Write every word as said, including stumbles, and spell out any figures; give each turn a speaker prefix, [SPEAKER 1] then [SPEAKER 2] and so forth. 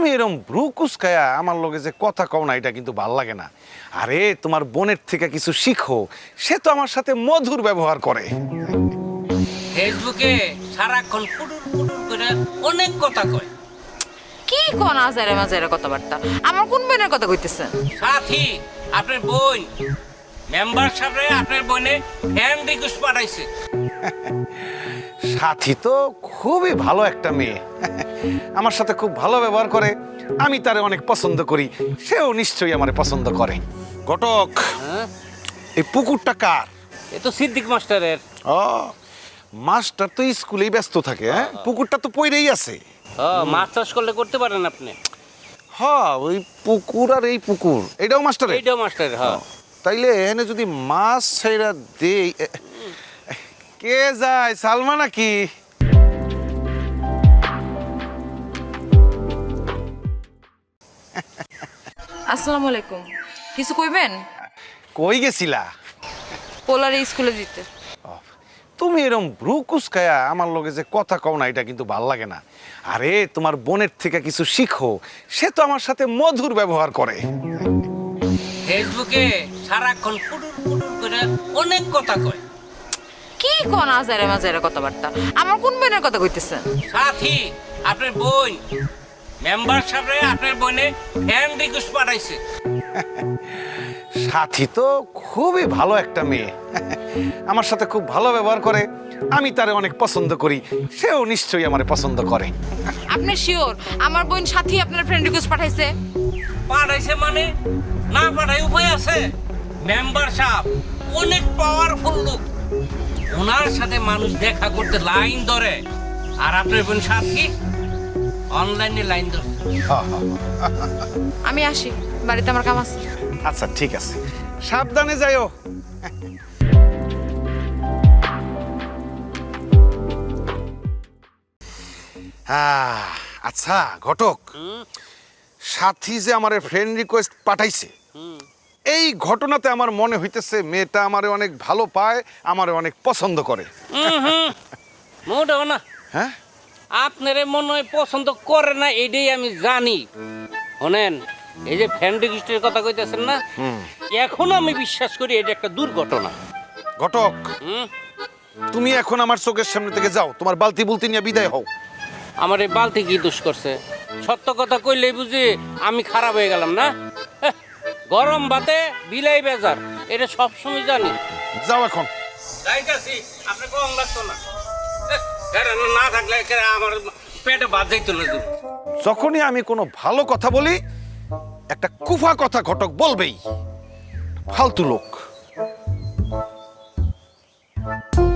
[SPEAKER 1] তুমি এরকম ব্রু কুচকায়া আমার লগে যে কথা কও না, এটা কিন্তু ভাল লাগে না। আরে তোমার বোনের থেকে কিছু শিখো, সে তো আমার সাথে মধুর ব্যবহার করে।
[SPEAKER 2] ফেসবুকে সারাক্ষণ পুটুর পুটুর করে অনেক কথা কয়।
[SPEAKER 3] কি কোন আজারে মাজারে কথাবার্তা? আমার কোন বোনের কথা কইতেছেন?
[SPEAKER 2] সাথী আপনার বোন মেম্বার সাহেব আপনার বোনে ফ্যান রিকোয়েস্ট পাঠাইছে।
[SPEAKER 1] সাথী তো খুবই ভালো একটা মেয়ে, আমার সাথে খুব ভালো ব্যবহার করে, আমি তারে অনেক পছন্দ করি, সেও নিশ্চয়ই আমারে পছন্দ করে। ঘটক,
[SPEAKER 2] হ্যাঁ
[SPEAKER 1] এই পুকুরটা কার?
[SPEAKER 2] এ তো সিদ্দিক মাস্টারের।
[SPEAKER 1] ও, মাস্টার তো স্কুলেই ব্যস্ত থাকে, হ্যাঁ? পুকুরটা তো পইরেই আছে।
[SPEAKER 2] ও মাছ চাষ করলে করতে পারেন আপনি।
[SPEAKER 1] হ্যাঁ, ওই পুকুর আর এই পুকুর এটাও মাস্টারের।
[SPEAKER 2] এইটাও মাস্টারের। হ্যাঁ
[SPEAKER 1] তাইলে এখানে যদি মাছ ছেড়া দেই, এ, কে যায়? সালমা নাকি?
[SPEAKER 3] আসসালামু আলাইকুম। কিছু কইবেন?
[SPEAKER 1] কই গেছিলা?
[SPEAKER 3] পোলারে স্কুলে দিতে।
[SPEAKER 1] তুমি এরকম ব্রু কুচকায়া আমার লগে যে কথা কও না, এটা কিন্তু ভাল লাগে না। আরে তোমার বোনের থেকে কিছু শিখো, সে তো আমার সাথে মধুর ব্যবহার করে।
[SPEAKER 2] ফেসবুকে সারাক্ষণ পুটুর পুটুর করে অনেক কথা কয়।
[SPEAKER 3] কি কোন আজারে মাজারে কথাবার্তা? আমার কোন বোনের কথা কইতেছেন?
[SPEAKER 2] সাথী আপনার বোন মেম্বার সাহেব আপনার বোনে ফ্যান রিকোয়েস্ট পাঠাইছে।
[SPEAKER 1] সাথী তো খুবই ভালো একটা মেয়ে, আমার সাথে খুব ভালো ব্যবহার করে, আমি তারে অনেক পছন্দ করি, সেও নিশ্চয়ই আমারে পছন্দ করে।
[SPEAKER 3] আপনি শিওর আমার বোন সাথী আপনার ফ্রেন্ড রিকোয়েস্ট পাঠাইছে?
[SPEAKER 2] পাঠাইছে মানে না পাঠাই উপায় আছে? মেম্বার সাহেব অনেক পাওয়ারফুল লোক, ওনার সাথে মানুষ দেখা করতে লাইন ধরে, আর আপনার বোন সাথী অনলাইনে লাইন ধরে।
[SPEAKER 3] আমি আসি, বাড়িতে আমার কাম আছে।
[SPEAKER 1] আচ্ছা ঠিক আছে, সাবধানে যাইও। আহ, আচ্ছা ঘটক, সাথী যে আমার ফ্রেন্ড রিকোয়েস্ট পাঠাইছে, এই ঘটনাতে আমার মনে হইতেছে মেয়েটা আমারে অনেক ভালো পায়, আমারে অনেক পছন্দ করে।
[SPEAKER 2] মোটেও না,
[SPEAKER 1] হ্যাঁ,
[SPEAKER 2] আপনারে মনে হয় পছন্দ করে না, এটাই আমি জানি। শোনেন, এই যে ফ্যান রিকোয়েস্টের কথা কইতেছেন না, এখন আমি বিশ্বাস করি এটা একটা দুর্ঘটনা।
[SPEAKER 1] ঘটক,
[SPEAKER 2] হুম,
[SPEAKER 1] তুমি এখন আমার চোখের সামনে থেকে যাও, তোমার বালতি বুলতি নিয়ে বিদায় হও।
[SPEAKER 2] আমার এই বালতি কি দোষ করছে? সত্য কথা কইলেই বুঝি আমি খারাপ হয়ে গেলাম না? হ্যাঁ, গরম ভাতে বিলাই বেজার, এটা সবসময় জানি।
[SPEAKER 1] যাও এখন।
[SPEAKER 2] যাইতাছি, আপনি কম লাগতো না। না থাকলে আমার পেটে ভাত যাইতো না।
[SPEAKER 1] যখনই আমি কোনো ভালো কথা বলি, একটা কুফা কথা ঘটক বলবেই। ফালতু লোক।